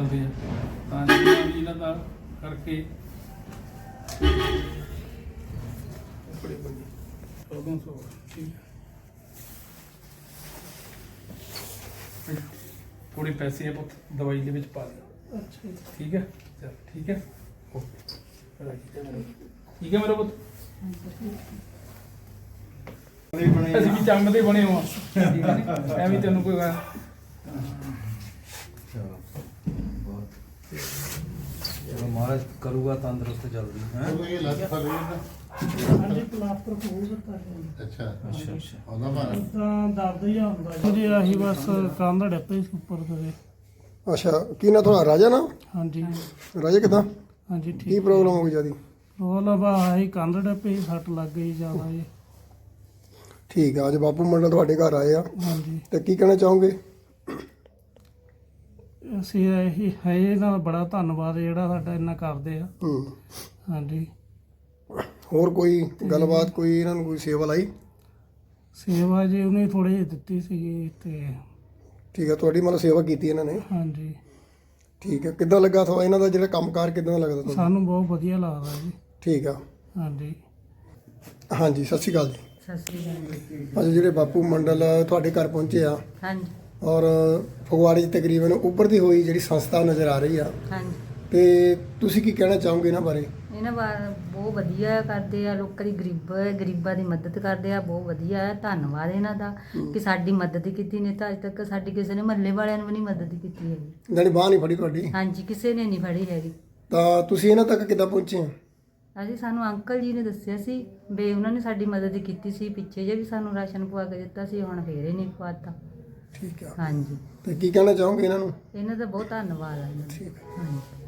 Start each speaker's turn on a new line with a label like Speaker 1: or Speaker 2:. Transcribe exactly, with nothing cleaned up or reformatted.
Speaker 1: ਚੱਲਦੇ ਆ ਤਾਂ ਜਿੰਨਾ ਵੀ ਇਹਨਾਂ ਦਾ ਕਰਕੇ ਬੜੇ ਬੜੇ ਚੌਦਾਂ ਸੌ ਠੀਕ ਹੈ। ਥੋੜੇ ਪੈਸੇ ਆ ਪੁੱਤ ਦਵਾਈ ਦੇ ਵਿੱਚ ਪਾ ਦੇ।
Speaker 2: ਅੱਛਾ ਜੀ।
Speaker 1: ਠੀਕ ਹੈ ਚਲ ਠੀਕ ਹੈ ਓਕੇ ਠੀਕ ਹੈ ਮੇਰਾ ਪੁੱਤ। ਅਸੀਂ ਵੀ ਚੰਮ ਦੇ ਬਣੇ ਹੋ ਠੀਕ ਹੈ ਨੀ? ਐਵੇਂ ਤੈਨੂੰ ਕੋਈ ਗੱਲ
Speaker 3: ਚਲੋ ਮਹਾਰਾਜ ਕਰੂਗਾ ਤੰਦਰੁਸਤ ਜਲਦੀ ਹੈ।
Speaker 4: ਇਹ ਲੱਤ ਫੜ ਰਹੀ ਹੈ
Speaker 2: ਹਾਂਜੀ ਪਲਾਸਟਰ ਹੋਊਗਾ ਤਾਂ
Speaker 4: ਅੱਛਾ
Speaker 3: ਅੱਛਾ ਅੱਛਾ
Speaker 4: ਉਹਦਾ ਮਾਰਾ
Speaker 2: ਤਾਂ ਦਰਦ ਹੀ ਹੁੰਦਾ ਜੀ ਆਹੀ ਬਸ ਕੰਧ ਡੱਪੇ ਸੀ ਉੱਪਰ ਕਦੇ।
Speaker 5: ਅੱਛਾ ਕੀ ਨਾ ਤੁਹਾਡਾ ਰਾਜਾ ਨਾ
Speaker 2: ਹਾਂਜੀ
Speaker 5: ਰਾਜਾ ਕਿੱਦਾਂ
Speaker 2: ਹਾਂਜੀ
Speaker 5: ਕੀ
Speaker 2: ਠੀਕ।
Speaker 5: ਪ੍ਰੋਬਲਮ ਹੋ ਗਈ ਜਿਆਦੀ?
Speaker 2: ਪ੍ਰੋਬਲਮ ਆਹੀ ਕੰਧ ਡੱਪੇ ਸੱਟ ਲੱਗ ਗਈ ਜ਼ਿਆਦਾ ਜੀ।
Speaker 5: ਠੀਕ ਆ ਅੱਜ ਬਾਪੂ ਮੰਡਲ ਤੁਹਾਡੇ ਘਰ ਆਏ ਆ
Speaker 2: ਹਾਂਜੀ
Speaker 5: ਤੇ ਕੀ ਕਹਿਣਾ ਚਾਹੋਗੇ?
Speaker 2: ਅਸੀਂ ਇਹੀ ਹੈ ਇਹਨਾਂ ਦਾ ਬੜਾ ਧੰਨਵਾਦ ਜਿਹੜਾ ਸਾਡਾ ਇੰਨਾ ਕਰਦੇ ਆ।
Speaker 5: ਹੂੰ
Speaker 2: ਹਾਂਜੀ
Speaker 5: ਹੋਰ ਕੋਈ ਗੱਲਬਾਤ ਕੋਈ ਇਹਨਾਂ ਨੂੰ ਕੋਈ ਸੇਵਾ ਲਾਈ?
Speaker 2: ਸੇਵਾ ਜੀ ਉਹਨੇ ਥੋੜੀ ਜਿਹੀ ਦਿੱਤੀ ਸੀਗੀ ਤੇ
Speaker 5: ਠੀਕ ਆ ਤੁਹਾਡੀ ਮਤਲਬ ਸੇਵਾ ਕੀਤੀ ਇਹਨਾਂ ਨੇ।
Speaker 2: ਹਾਂਜੀ
Speaker 5: ਠੀਕ ਆ ਕਿੱਦਾਂ ਲੱਗਾ ਤੁਹਾਨੂੰ ਇਹਨਾਂ ਦਾ ਜਿਹੜਾ ਕੰਮਕਾਰ ਕਿੱਦਾਂ ਦਾ ਲੱਗਦਾ ਤੁਹਾਨੂੰ?
Speaker 2: ਸਾਨੂੰ ਬਹੁਤ ਵਧੀਆ ਲੱਗਦਾ ਜੀ।
Speaker 5: ਠੀਕ ਆ
Speaker 2: ਹਾਂਜੀ
Speaker 5: ਹਾਂਜੀ ਸਤਿ ਸ਼੍ਰੀ ਅਕਾਲ ਜੀ।
Speaker 6: ਸਤਿ ਸ੍ਰੀ ਅਕਾਲ ਜੀ।
Speaker 5: ਅੱਜ ਜਿਹੜੇ ਬਾਪੂ ਮੰਡਲ ਤੁਹਾਡੇ ਘਰ ਪਹੁੰਚੇ ਆ
Speaker 6: ਹਾਂਜੀ
Speaker 5: ਔਰ ਫਗਵਾੜੇ 'ਚ ਤਕਰੀਬਨ ਉੱਭਰਦੀ ਹੋਈ ਜਿਹੜੀ ਸੰਸਥਾ ਨਜ਼ਰ ਆ ਰਹੀ ਆ
Speaker 6: ਹਾਂਜੀ
Speaker 5: ਤੇ ਤੁਸੀਂ ਕੀ ਕਹਿਣਾ ਚਾਹੋਗੇ ਇਹਨਾਂ ਬਾਰੇ?
Speaker 6: ਇਹਨਾਂ ਬਾਰੇ ਬਹੁਤ ਵਧੀਆ ਕਰਦੇ ਆ, ਲੋਕਾਂ ਦੀ ਗਰੀਬ ਗਰੀਬਾਂ ਦੀ ਮਦਦ ਕਰਦੇ ਆ, ਬਹੁਤ ਵਧੀਆ ਹੈ। ਧੰਨਵਾਦ ਇਹਨਾਂ ਦਾ ਕਿ ਸਾਡੀ ਮਦਦ ਕੀਤੀ ਨਹੀਂ ਤਾਂ ਅੱਜ ਤੱਕ ਸਾਡੀ ਕਿਸੇ ਨੇ ਮਹੱਲੇ ਵਾਲਿਆਂ ਨੇ ਵੀ ਨਹੀਂ ਮਦਦ ਕੀਤੀ ਹੈਗੀ।
Speaker 5: ਜਾਣੀ ਬਾਂਹ ਨਹੀਂ ਫੜੀ ਤੁਹਾਡੀ
Speaker 6: ਹਾਂਜੀ ਕਿਸੇ ਨੇ ਨਹੀਂ ਫੜੀ ਹੈਗੀ।
Speaker 5: ਤਾਂ ਤੁਸੀਂ ਇਹਨਾਂ ਤੱਕ ਕਿੱਦਾਂ ਪਹੁੰਚੇ ਆ?
Speaker 6: ਅਸੀਂ ਸਾਨੂੰ ਅੰਕਲ ਜੀ ਨੇ ਦੱਸਿਆ ਸੀ ਵੀ ਉਹਨਾਂ ਨੇ ਸਾਡੀ ਮਦਦ ਕੀਤੀ ਸੀ, ਪਿੱਛੇ ਜੇ ਵੀ ਸਾਨੂੰ ਰਾਸ਼ਨ ਪਵਾ ਕੇ ਦਿੱਤਾ ਸੀ, ਹੁਣ ਫੇਰ ਹੀ ਨਹੀਂ ਪਵਾਤਾ।
Speaker 5: ਠੀਕ ਆ
Speaker 6: ਹਾਂਜੀ
Speaker 5: ਤੇ ਕੀ ਕਹਿਣਾ ਚਾਹੋਗੇ ਇਹਨਾਂ ਨੂੰ?
Speaker 6: ਇਹਨਾਂ ਦਾ ਬਹੁਤ ਧੰਨਵਾਦ ਆ ਇਹਨਾਂ ਦਾ।
Speaker 5: ਠੀਕ ਆ।
Speaker 6: ਹਾਂਜੀ